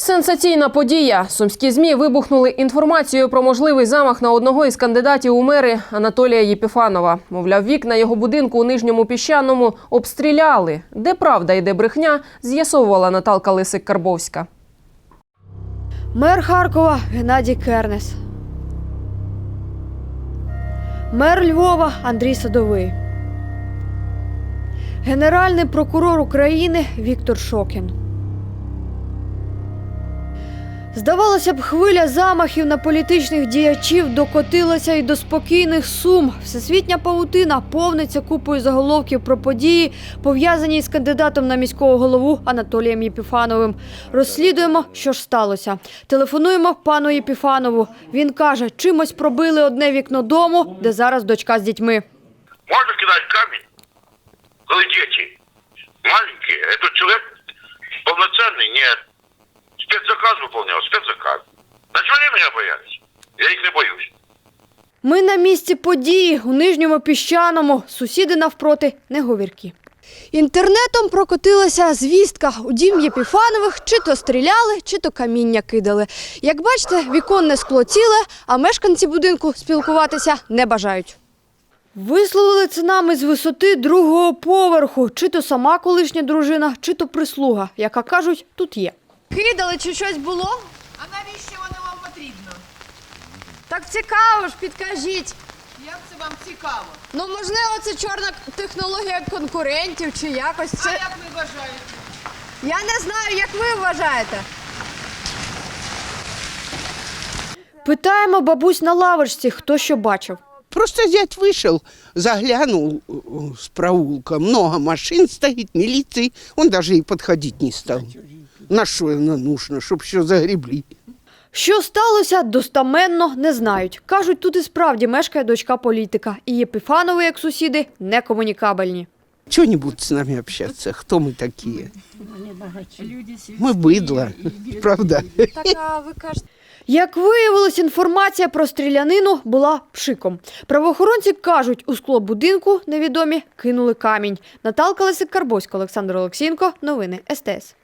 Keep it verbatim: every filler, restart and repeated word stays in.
Сенсаційна подія. Сумські ЗМІ вибухнули інформацією про можливий замах на одного із кандидатів у мери Анатолія Єпіфанова. Мовляв, вікна його будинку у Нижньому Піщаному обстріляли. Де правда і де брехня, з'ясовувала Наталка Лисик-Карбовська. Мер Харкова Геннадій Кернес. Мер Львова Андрій Садовий. Генеральний прокурор України Віктор Шокін. Здавалося б, хвиля замахів на політичних діячів докотилася й до спокійних Сум. Всесвітня павутина повниться купою заголовків про події, пов'язані з кандидатом на міського голову Анатолієм Єпіфановим. Розслідуємо, що ж сталося. Телефонуємо пану Єпіфанову. Він каже, чимось пробили одне вікно дому, де зараз дочка з дітьми. Можно кидать камень, коли дети маленькие? Этот человек полноценный? Нет. Спецзаказ выполнял, спецзаказ. Значит, они меня боялись. Я их не боюсь. Ми на місці події у Нижньому Піщаному. Сусіди навпроти не говіркі. Інтернетом прокотилася звістка. У дім Єпіфанових чи то стріляли, чи то каміння кидали. Як бачите, віконне скло ціле, а мешканці будинку спілкуватися не бажають. Висловили це нам із висоти другого поверху. Чи то сама колишня дружина, чи то прислуга, яка, кажуть, тут є. Кидали чи щось було? А навіщо воно вам потрібно? Так цікаво ж, підкажіть. Як це вам цікаво? Ну, можливо, це чорна технологія конкурентів чи якось. Це... А як ви вважаєте? Я не знаю, як ви вважаєте. Питаємо бабусь на лавочці, хто що бачив. Просто зять вышел, заглянул с проулка. Много машин стоит, милиции. Он даже и подходить не стал. На что оно нужно, чтобы все загребли. Що сталося, достаменно не знають. Кажуть, тут і справді мешкає дочка політика. І Єпіфанови, як сусіди, некомунікабельні. Чего не будут с нами общаться? Кто мы такие? Мы быдло, правда? Так, а ви кажете... Як виявилось, інформація про стрілянину була пшиком. Правоохоронці кажуть, у скло будинку невідомі кинули камінь. Наталка Лисик-Карбовська, Олександр Олексієнко. Новини ес те ес.